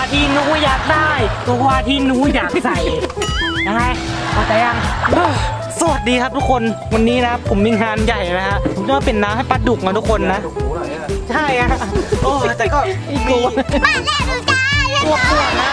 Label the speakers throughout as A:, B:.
A: ที่หนูอยากได้โกโกวาที่หนูอยากใส่ยังไงเข้าใจยังสวัสดีครับทุกคนวันนี้นะผมมีงานใหญ่นะฮะผมจะเป็นน้ำให้ปลาดุกนะทุกคนนะใช่ฮะโอ้แต่ก็อีกกลัว
B: มาแล้วดูจ้า
A: ปวดนะ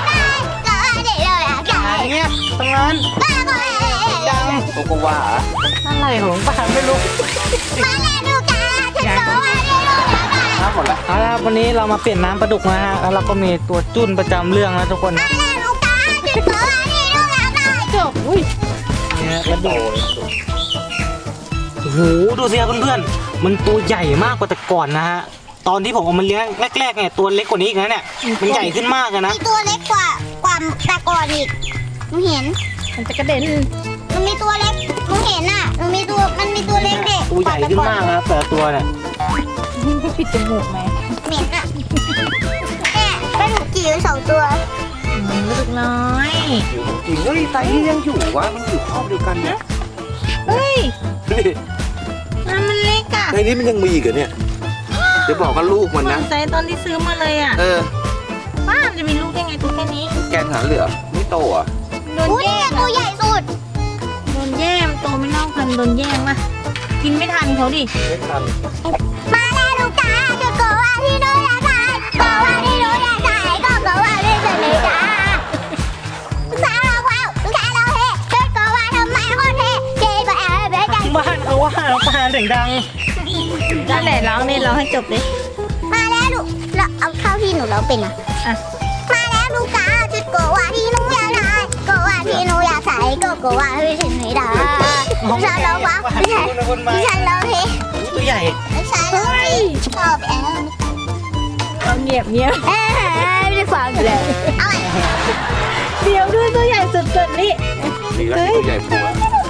A: อย่างเงี้ยตรงนั้นดัง
C: โกโกวา
A: อะไรของป้าไม่รู้
B: มาแล้วดูจ้าฉันโกว่าได้รู้แล้ว
C: น้ำหมดละ
A: เอาละวันนี้เรามาเปลี่ยนน้ำปลาดุกนะฮะแล้วเราก็มีตัวจุ้นประจำเรื่องนะทุกคนนะ
B: มาแล้วดูจ้าฉันโกว่าได้รู้แล้วจบอุ้ย
A: เนี่ยกระโดดโอ้โหดูสิครับเพื่อนๆมันตัวใหญ่มากกว่าแต่ก่อนนะฮะตอนที่ผมเอามันเลี้ยงแรกๆเนี่ยตัวเล็กกว่านี้อีกนะเนี่ยมันใหญ่ขึ้นมากเลยนะ
B: มีตัวเล็กกว่าแต่ก่อนอีกหนูเห็น
D: มันจะกระเด็น
B: มันมีตัวเล็กหนูเห็นอ่ะมันมีตัวเล็กเด็ก
A: ตัวใหญ่ขึ้นมากนะครับแต่ละตัวเนี่ย
D: ปิดจมูกไหม
B: เหม็นอ่ะแม่ก็ถูกจีบ2 ตัว
D: ลูกน้อย
C: อยู่จริงเฮ้ยไตนี่ยังอยู่วะมันอยู่ครอบเดียวกันนะ
D: เฮ้ย
C: นี่
D: มันเล็กอ่ะ
C: ในนี้มันยังมีอีกเหรอเนี่ยเดี๋ยวบอกกับลูกมัน
D: เหมือ
C: นะ
D: นไซส์ตอนที่ซื้อมาเลยอ่ะ
C: เออ
D: ป้ามันจะมีลูกได้ไงตัวแค่นี้
C: แกนหาเหลือไม่โตอ่ะ
D: โดน
B: อุ้ย
D: แย่
B: เนี่ย
D: ง
B: ตัวใหญ่สุด
D: โดนแย่งโตไม่เท่ากันโดนแย่งมากินไม่ทันเขาดิ
C: ไม่ทัน
B: มาแล้วลูกจ้าฉันโกว่าที่หนูอยากได้โกว่าที่หนูอยากได้ก็โกว่าที่ฉันไม่ได้สาวเราว้าวสาวเราเฮ้ฉันโกว่าทำไมคนเฮ้เจ๊ก็แอบเบี้ยใจ
A: บ้านเขาว่าป้าเสียงดัง
D: นั่นแหละร้องนี่ร้องให้จบเลย
B: มาแล้วลูกเราเอาเข้าที่หนูเราเป็นอ่ะ
D: อ่ะ
B: มาแล้วลูกจ้าฉันโกว่าที่หนูอยากได้โกว่าที่หนูอยากใส่ก็โกว่าที่ฉันไม่ได้สาวเราว้าวที่ฉันเราเฮ้
A: ตัวใหญ่
B: สาวเราเฮ้ชอบแอบ
D: เอาเงียบเงียบ
B: ไม่ได้ฟังเลยเอาใหม่
D: เดี๋ยวด้วยตัวใหญ่สุดๆนี่
C: นี่แล้วตัวใหญ่ปัว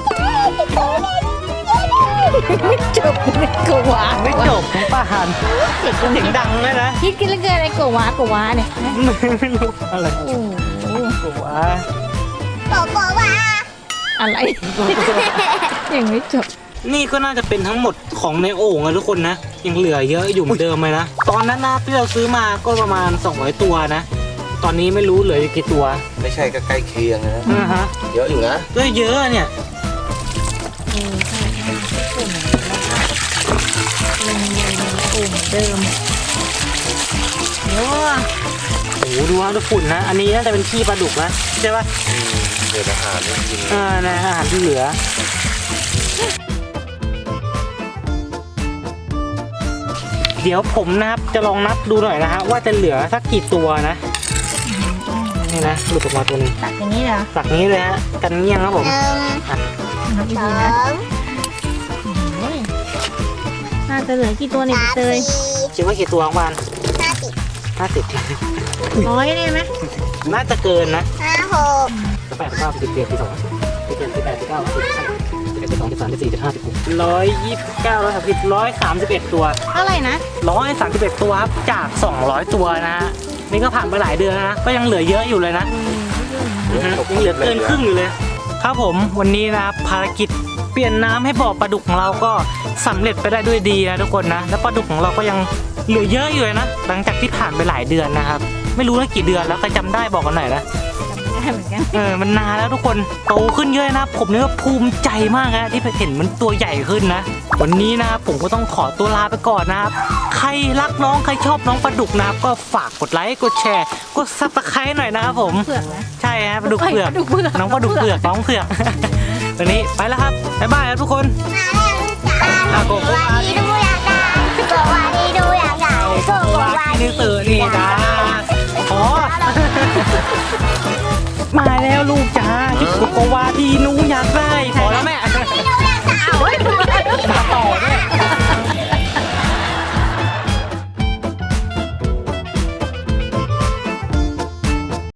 D: ไม่จบเลยกวา
A: ไม่จบของป้าหันเสียงดังเลยนะ
D: คิดกันแล้วเกินอะไรกวาเนี่ย
A: ไม่รู้อะไร
D: โอ้โห
A: ตัว
B: โกโกว่า
D: อะไรยังไม่จบ
A: นี่ก็น่าจะเป็นทั้งหมดของในโอ่งนะทุกคนนะยังเหลือเยอะอยู่เหมือนเดิมเลยนะตอนนั้นนะที่เราซื้อมาก็ประมาณ200ตัวนะตอนนี้ไม่รู้เหลืออยู่กี่ตัว
C: ไม่ใช่ก็ใกล้เคียงนะ
A: นะฮะ
C: เยอะอยู่นะ
A: ก็เยอะเนี่ย
D: ลงเลยในโอ่งเดิมเดี๋ยว
A: โอ้โหดูว่าดูฝุ่นนะ อันนี้น่าจะเป็นขี้ปลาดุกนะใช่ปะ
C: เดี๋ยวอาหารไม่กิน
A: นะอาหารที่เหลือ เดี๋ยวผมนะครับจะลองนับดูหน่อยนะฮะว่าจะเหลือสักกี่ตัวนะนี่นะหลุดออกมาตัวหนึง
D: ตัดอย่างนี้เหรอ
A: สักนี้เลยฮะกันเงี้ยงครับผม
D: นับ
B: ส
D: ดี
B: อ
D: ๆนะ
B: ง
D: โอ้ยน่าจะเหลือกี่ตัวเนี่ย
B: สาม
D: เตย
B: สี่
A: คิดว่ากี่ตัวประมาณ
B: 50
A: 50
D: 100ได้ไหม
A: น่าจะเกินนะ
B: 56
A: 8 9 10 11 12 11 18 19 20 11 12 13 14 15 16 129 131ตัว
D: เท่าไหร่นะ
A: 131ตัวครับจาก200ตัวนะฮะนี่ก็ผ่านไปหลายเดือนแล้วนะก็ยังเหลือเยอะอยู่เลยนะยังเหลือเกินครึ่งอยู่เลย ครับผมวันนี้นะครับภารกิจเปลี่ยนน้ำให้บ่อปลาดุกของเราก็สำเร็จไปได้ด้วยดีนะทุกคนนะแล้วปลาดุกของเราก็ยังเหลือเยอะอยู่เลยนะหลังจากที่ผ่านไปหลายเดือนนะครับไม่รู้ว่ากี่เดือนแล้วใครจำได้บอกกันหน่อยนะ
D: จำไม่ได้เหมือนกัน
A: มันนานแล้วทุกคนโตขึ้นเยอะนะผมนี่ก็ภูมิใจมากนะที่เห็นมันตัวใหญ่ขึ้นนะวันนี้นะครับผมก็ต้องขอตัวลาไปก่อนนะครับใครรักน้องใครชอบน้องปลาดุกนะครับก็ฝากกดไลค์กดแชร์กดซับสไครต์หน่อยนะครับผม
D: เผือกนะ
A: ใช่ฮะปลาดุกเผือก
D: ปลาดุกเผือก
A: น้องปลาดุกเผือกน้องเผือก วันนี้ไปแล้วครับบ๊ายบายครับทุกคน
B: มาแล้วจ้าโกว่าที่หนูอยากได้โกว่าที่หนูอยากได้โกว่า
A: นี่
B: ที่
A: ตื่นนี่จ้าขอ มาแล้วลูกจ้าที่โกโกวาที่หนูอยากได้